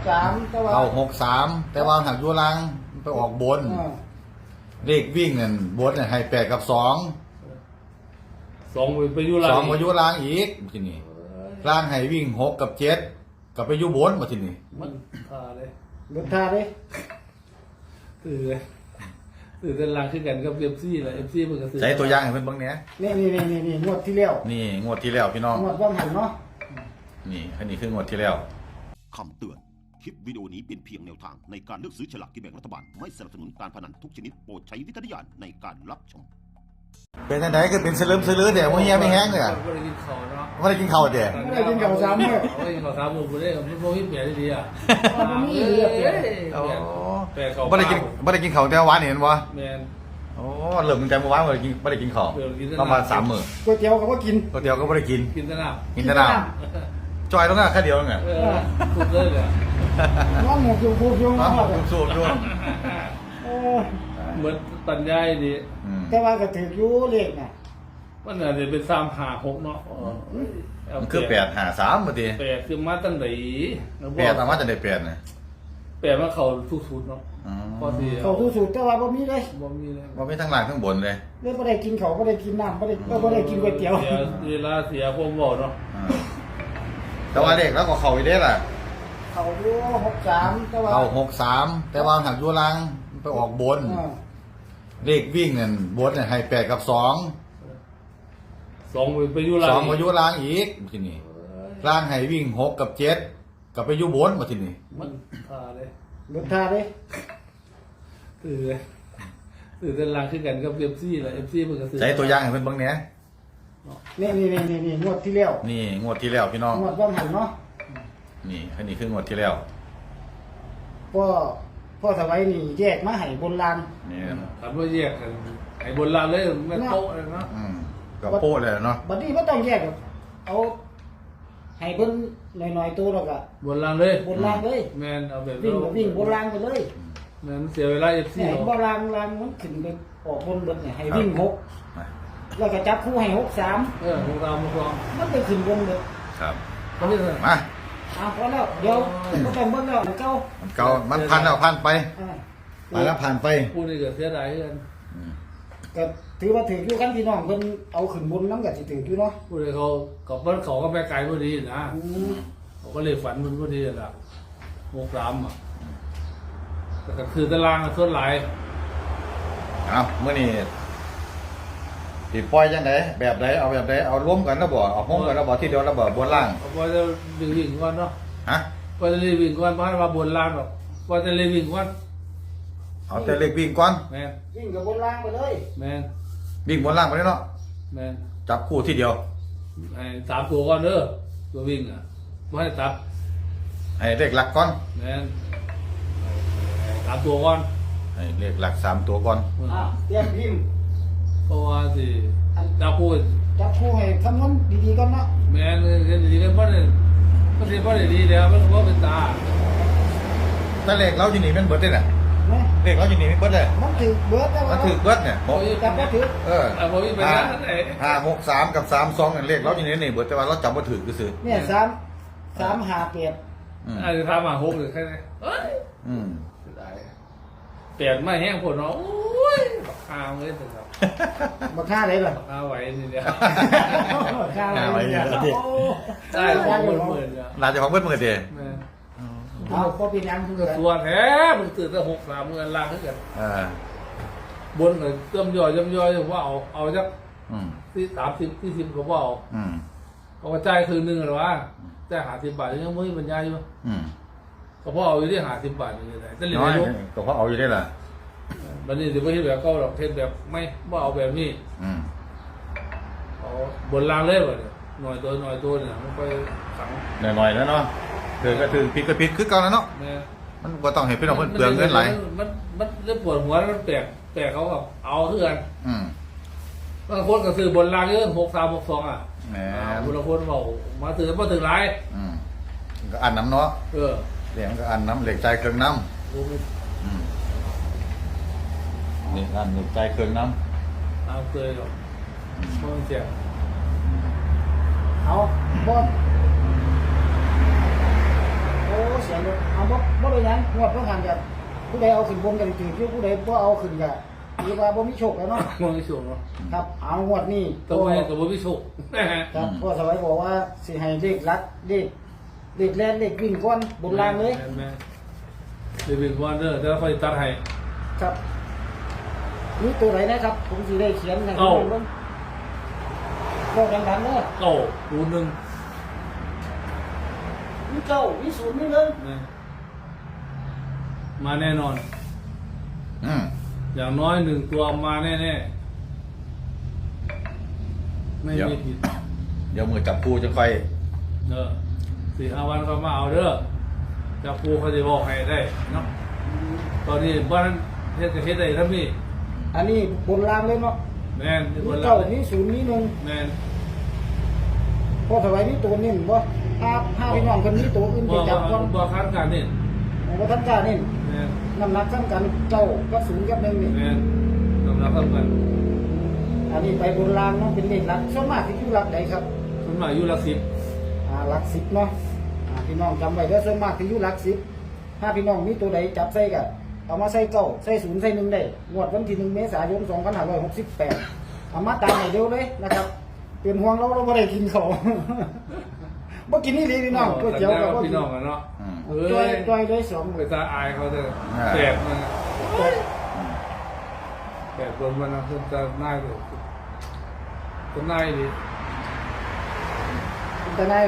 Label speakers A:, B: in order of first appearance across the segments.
A: 6-3แต่ว่า
B: เข้า6-3แต่ว่าหักอยู่ล่างไปออกบนเลขวิ่งนั่นบนเนี่ยให้8 กับ 2
C: สองไปอยู่ล่าง
B: 2ไปอยู่ล่างอีกทีนี้ล่างให้วิ่ง6 กับ 7กับไปอยู่บนมาทีนี้
C: มันเลย
A: เบิดท่าเลย
C: ตื่นเต้นล่างขึ้นกันกับเอฟซีแหละเอฟซีมันก็ตื่น
B: ใช้ตัวอย่างให้เพิ่นเบิ่งแหน่
A: นี่งวดที่แล้ว
B: นี่งวดที่แล้วพี่น้อง
A: งวดว่างหันเนาะ
B: นี่อันนี้คืองวดที่แล้ว
D: คำเตือน คลิปวิดีโอนี้เป็นเพียงแนวทางในการเลือกซื้อฉลากกินแบ่งรัฐบาล ไม่สนับสนุนการพนันทุกชนิดโปรดใช้วิจารณญาณในการรับชม
B: เป็นจังไดคือเป็นสลึมสลือแต่บ่เฮียไม่แห้งเลยอ่ะ
C: ไม่ได้กินข้าวเนาะ
B: บ่ได้กินข้าวเด้
A: ไม่ได้กินข้าวซ้ำเนี่ย
C: ไม่ได้กินข้าวสามมื้อบ่ได้มันบ่มีเปลี่ยนดีอ่ะ
A: มันมีเรื่องเปลี่ยน
B: โอ้
C: เปลี่ยนข้าว
B: บ่ได้กินข้าวแต่วานนี่เห็นบ่
C: แม่น
B: โอ้เริ่มตั้งแต่เมื่อวานบ่ได้กินข้าวประมาณ3 มื้อ
A: ก๋วยเตี๋ยวก็บ่กิน
B: ก๋วยเตี๋ยวก็บ่ได้กิน
C: กินแต่น้
B: กินแต่น้ำจอยตรงนั้นแค่เดียวเองอ่ะ
C: ำสุดเลยอ่ะ
A: น้องหมูอยู่พูดอยู่
B: น้ำ
A: เนาะ
B: ผมสูบด้วย
C: เหมือนปัญญาดี
A: แต่ว่าก็ถืออยู่เลขน่ะ
C: มันอาจจะเป็น3-5-6เนาะ
B: มันคือ8-5-3บ่ติ
C: แปดคือมาตั้งไหน
B: 8มาจากได้8น่ะ
C: แปดมาเข้าทุกชุดเนาะ
B: อ๋อ
C: พอดี
A: เขาทุกสูตรแต่ว่าบ่มีเลย
C: บ่มีเลย
B: บ่มีทั้งล่างทั้งบนเลย
A: เลยบ่ได้กินเขาวบ่ได้กินน้ำบ่ได้กินก๋วยเตี๋ยว
C: เวลาเสียผมบอกเนาะ
B: อ่าแต่ว่าเด็กแล้วก็เข้าอีเด้ล่ะ
A: เขาอยู่6-3แต่ว่า
B: เข้า6-3แต่ว่าหักอยู่ล่างไปออกบน เลขวิ่งนั่นบนเนี่ยให้8 กับ 2
C: สองไปอยู่ล่าง
B: 2ไปอยู่ล่างอีกทีนี้ล่างให้วิ่ง6 กับ 7กับไปอยู่บนมาทีนี้
C: มันเลย
A: เบิดท่าเลย
C: ตื่นเต้นล่างขึ้นกันกับเอฟซีแหละเอฟซีมันก็ตื่น
B: ใช้ตัวอย่างให้เพิ่นเบิ่งแหน่
A: นี่งวดที่แล้ว
B: นี่งวดที่แล้วพี่น้อง
A: งวดว่างหันเนาะ
B: นี่อันนี้คืองวดที่แล้ว
A: พ่อสวัยนี่แยกมาให้บนลาน
B: นี่
C: ถามว่าแยกกันไอ้บนล่างเลยมันโต๊ะเลยเนาะ
B: ก็โป๊ะเลยเนาะ
A: บัดนี้บ่ต้องแยกหรอกเอาให้เพิ่นหน่อยๆตัวแล้วก็
C: บนล่างเลย
A: บนลานเลย
C: แมนเอาแบบ
A: วิ่งบนลานไปเลย
C: แมนเสียเวลาเอฟซี
A: เนี่ยบ่ลานมันขึ้นไปออกบนเบิดเนี่ยให้วิ่ง6แล้วก็จับคู่ให้6-3
C: พวกเราพวกเรา
A: มันไปขึ้นบนเบิด
B: ครับ
C: เขาไม่ได้
B: มา
A: พอแล้วเดี๋ยวบ่ต้องเบิ่งแล้วเก่า
B: มันเก่ามันผ่านแล้วผ่านไป
A: อ่า
B: ไปแล้วผ่านไป
C: พูดนี่ก็เสียดายกัน
A: ก็ถือว่าถืออยู่กันพี่น้องเพิ่นเอาขึ้นบนนำก็สิถืออยู่เนาะ
C: พูดเลยเขากับบ้านเขาก็ไปไกลพอดีนะ
A: อืม
C: เขาก็เลยฝันมันพอดีแหละ6-3อ่ะแต่ก็คือตารางส่วนหลาย
B: เอามื้อนี้สิปล่อยจังไดแบบใดเอาแบบใดเอารวมกันแล้วบ่เอาห้องกันแล้วบ่ทีเดียวแล้วบ่บนล่าง
C: พอจะวิ่งก่อนเนาะ
B: ฮะ
C: พอจะวิ่งก่อนเพราะว่าบนล่างหรอกพอจะวิ่งก่อน
B: เอาแต่เลขวิ่งก่อน
C: แมน
A: วิ่งกับบนล่างไปเลย
C: แมน
B: วิ่งบนล่างไปเลยเนาะ
C: แมน
B: จับคู่ทีเดียว
C: ไอ้3ตัวก่อนเด้อตัววิ่งอ่ะไม่ให้ตับ
B: ให้เลขหลักก่อน
C: แมน3ตัวก่อน
B: ให้เลขหลัก3ตัวก่อน
A: เตรียมพิมพ์
C: เพราะว่าสิจับคู่
A: จับคู่ให้คำนวณดีๆก่อนเนาะ
C: แมนดีกันเพราะเนี่ยก็สิเพราะดีแล้วมันก็เป็นตา
B: แต่เลขเราอยู่นี่แม่นเบิดเด้น่ะ
A: นะ
B: เลขเราอยู่นี่แม่นเบิดเลย
A: มันถือเบิดแต่
B: มั
A: ว่าน
B: ถูกเบิดเนี่ยบอก
A: จับบ่ถือ
B: เออ
C: พอวิ่งไปนั่นไหน
B: 5 6 3กับ3 2นั่นเลขเราอยู่นี่เบิดแต่ว่าเราจำบ่ถูกซื่อ
A: เนี่ย3 5 8
B: ๆอืม
C: ไอ้ทำมา6หรือแค่ไหนเอ้ย
B: อืม
C: เปลี่ยนไม่แห้งผลเนาะโอ้ยบักข้าวเลยแต่ครับ
A: บ่ค่าได้ล่ะ
C: บักข้าวไหวนี่เดียว
A: บ่ค่าได้เนี่ยโอ้
C: ได้ของหมื่นเนี่ย
B: น่าจะของเบิดมื้อเด้
C: แม่
A: เอาบ่เป็นหยังเพิ่นก็
C: ตัวแท้มึงตื่นแต่6-3เงินล่างขึ้นกัน
B: เออบ
C: นเลยเติมย่อยว่าเอาจัก
B: อืม
C: ที่30ก็ว่าเอา
B: อืม
C: เขาก็จ่ายคืนนึงหรอวะจ่าย50 บาทยังไม่บรรยายอยู่
B: อืม
C: ก็พอเอาอยู่ที่50 บาทนี่ได้แต่เหรียญ
B: น้อย
C: ไม่รู้
B: ก็เพราะเอาอยู่ได้ล่ะ
C: บัดนี้สิบ่เฮ็ดแบบเก่าหรอกเฮ็ดแบบไม่บ่เอาแบบนี้
B: อืม
C: เอาบนล่างเลยบ่เนี่ยหน่อยตัวเนี่ยมันไปขัง
B: หน่อยๆแล้วเนาะถือก็ถือผิดก็ผิดคือเก่าแล้วเนาะ
C: แม่
B: มันบ่ต้องให้พี่น้องเพิ่นเปลืองเงินหลาย
C: มันเรื่องปวดหัวมันแปลกเขากับเอาเพื่อน
B: อืม
C: บางคนก็ซื้อบนรางเยอะ6362อ่ะ
B: แหม
C: บางคนบอกมาซื้อมาถึงไร
B: อืมก็อันน้ำเนาะ
C: เออ
B: เหรียญก็อันน้ำเหล็กใจเครื่องน้
C: ดูไม่
B: ำอืมนี่อันเหล็กใจเครื่องน้
C: ตามเคยหรอกเพราะมันเจ็บ
A: เอาบ่โอ้เสียเลยเอาบ่ได้ยังงวดเพิ่งหันกันผู้ใดเอาขึ้นบนกันถือผู้ใดบ่เอาขึ้นกันถือว่าบ่มีโชคแล้วเนาะ
C: มองไม่สูงเนาะ
A: ครับเอางวดนี้
C: ตัวเองกับบ่มีโชค
A: ครับพ่อสวัยบอกว่าสิให้เลขลักเลขแล่นเลขวิ่งก้อนบนล่างเลย
C: แม่เดวิดวอร์เนอร์แต่ละคนตัดให้
A: ครับนี่ตัวไหนนะครับ ผมสิได้เขียนให้
C: เอ้า
A: เบิ่งบอกดังๆเด้อ
C: เก้าศูนย์หนึ่ง
A: มีเก้ามีศูนย์มีหนึ่ง
C: นะมาแน่นอน
B: อืม
C: อย่างน้อย1ตัวมาแน่ๆไม่มีผิด
B: เดี๋ยวมือจับคู่จะค่อย
C: 4-5 วันก็มาเอาเด้อจะปูเขาจะบอกให้ได้เนาะตอนนี้บ้านเฮ็ดก็เฮ็ดได้ทั้งนี้
A: อันนี้บนล่างเลยเนาะ
C: แม่นที่
A: มี
C: คน
A: เก้า
C: เรา
A: มีศูนย์มีหนึ่ง
C: แม่น
A: พ่อสวัยนี่ตัวนิ่มบ่ถ้าพี่น้องคนนี้ตัวอื่นไป
C: บ่
A: จับก่อน
C: บ่คันกันนี่
A: บ่ทันกล้านี่
C: แม่น
A: น้ำหนักซ้ำกันเก้ากับศูนย์กับหนึ่งนี่
C: แม่นสำหรับกัน
A: อันนี้ไปบนล่างเนาะเป็นเลขหลักส่วนมากที่อยู่หลักใดครับ
C: มันมาอยู่ละ10
A: หลัก10เนาะพี่น้องจำไว้เด้อส่วนมากที่อยู่หลัก10ถ้าพี่น้องมีตัวใดจับใส่ก็เอามาใส่เก้าใส่ศูนย์ใส่หนึ่งได้งวดวันที่1 เมษายน 2568เอามาตามให้เร็วเลยนะครับเป็นห่วงเราบ่ได้กินข้าว บ่กินนี่เลยพี่น้องก๋วยเตี๋ยวก็บ่
C: พี่
A: กิน
C: น้องกันเนาะ
B: อืม
A: จ้อยเลยสอง
C: ไปตาอายเขาเด้อแสบมันแสบโดนมันนะเพิ่นจะน่ายเลยจะน่ายดิ
A: แต่ไหน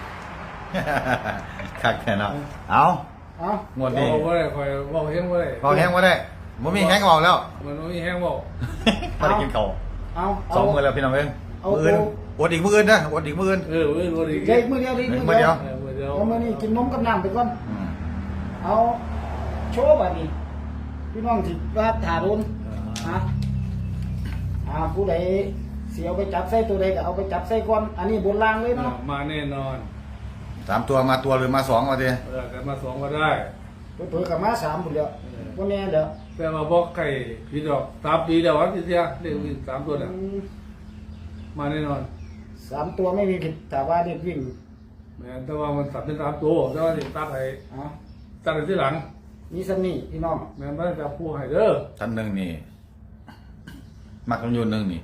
B: คักแค่เนาะเอา
A: เอา
B: งวดนี้
C: บอกว่าได้คอยบอกแห้งว่าได้
B: พอแห้งบ่ได้บ่มีแห้งบอกแล้ว
C: มันไม่มีแห้งบอก
B: บ่ได้กินข้าว
A: เอา
B: สองมื้อแล้วพี่น้องเอ้ย
A: เอา
B: มื้ออื่นอดอีกมื้ออื่นนะอดอีกมื้ออื่น
C: วันนี้
A: เด็กมือเดียวดิ
B: มื้อเดียว
C: มือเดียว
A: เอามื้อนี้กินนมกับน้ำไปก่อน
B: อืม
A: เอาโชว์บัดนี้พี่น้องสิว่าถาโดนฮะผู้ใดสิเอาไปจับใส่ตัวใดก็เอาไปจับใส่ก่อนอันนี้บนล่างเลยเนาะ
C: มาแน่นอน
B: 3ตัวมาตัวหรือมา2ว่าติ
C: กันมา2ก็ได้
A: เพิ่นก็มา3พุ่นแล้วบ่แน่เด้อ
C: แต่มาบอกไก่พี่ดอก3 ปีเดียววันที่เสียเรียกวิ่ง3ตัวเนี่ย
A: อืม
C: มาแน่นอน
A: 3ตัวไม่มีผิดแต่ว่าเด็กวิ่ง
C: แม้แต่ว่ามันสับเป็น3ตัวแต่ว่าที่ตัดให้
A: เอา
C: ตัดที่หลัง
A: มีสนี่พี่น้อง
C: แม่ไม่จะพูดให้เด้อ
B: ท่านหนึงนี่มักคำยูนหนึงนี่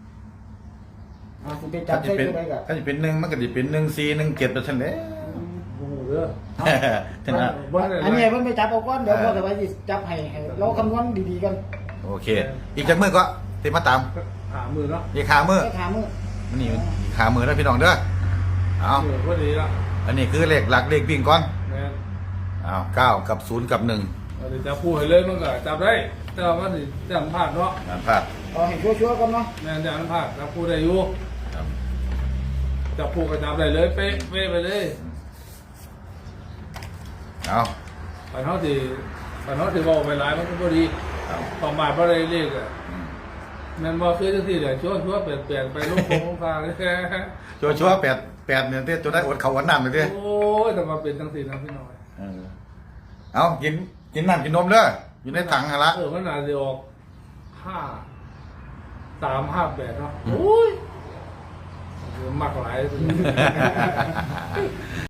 A: สิไปจับใส่ตัวใดก็
B: ถ้าสิเป็น1มันก็สิเป็น1 4 1 7ไปซั่นแหละ
C: โอ้โหเด้อ
B: ท่านน่ะ
A: อันนี้เพิ่นไปจับเอาก่อนเดี๋ยวพอแต่ว่าสิจับให้เราคำนวณดีๆกัน
B: โอเค อีกจักมื้อก็สิมาตาม
C: หามือเนาะ
B: อีกขามื้อ
A: ไปถามมื้อ
B: มันนี่อีกขามื้อแล้วพี่น้องเด้อเอา
C: มือพอดีละ
B: อันนี้คือเลขหลักเลขวิ่งก่อน
C: แม่
B: เอา9กับ0กับ1
C: เดี๋ยวจะพูดให้เลยมันก็จับได้แต่ว่ามันจะพลาดเนาะ
B: นั่นพลาด
A: เอาให้ชัวร์ๆกันเนาะ
C: แม่จะพลาดจะพูดได้อยู่
B: ครับ
C: จะพูดก็จับได้เลยเป๊ะไปเลย
B: เอา
C: ปันเขาที่บอกไปหลายมันก็พอดี
B: ครับ
C: ประมาทบ่ได้เลขอ่ะ
B: อืม
C: แม่นบ่คือจังซี่แหละชั่วเปลี่ยนไปลงโคงฟ้าเลย
B: ชัวร์8เนี่ยเด้ตัวได้อดข้าวอดน้ำเลยเด้
C: โอ้ยแต่มาเป็นจังซี่นะพี่น้อย
B: เอากินน้ำกินนมเด้ออยู่ในถังหั่นละ
C: มันน่าจะออก3-5-8เนาะโอ้ยมักหลาย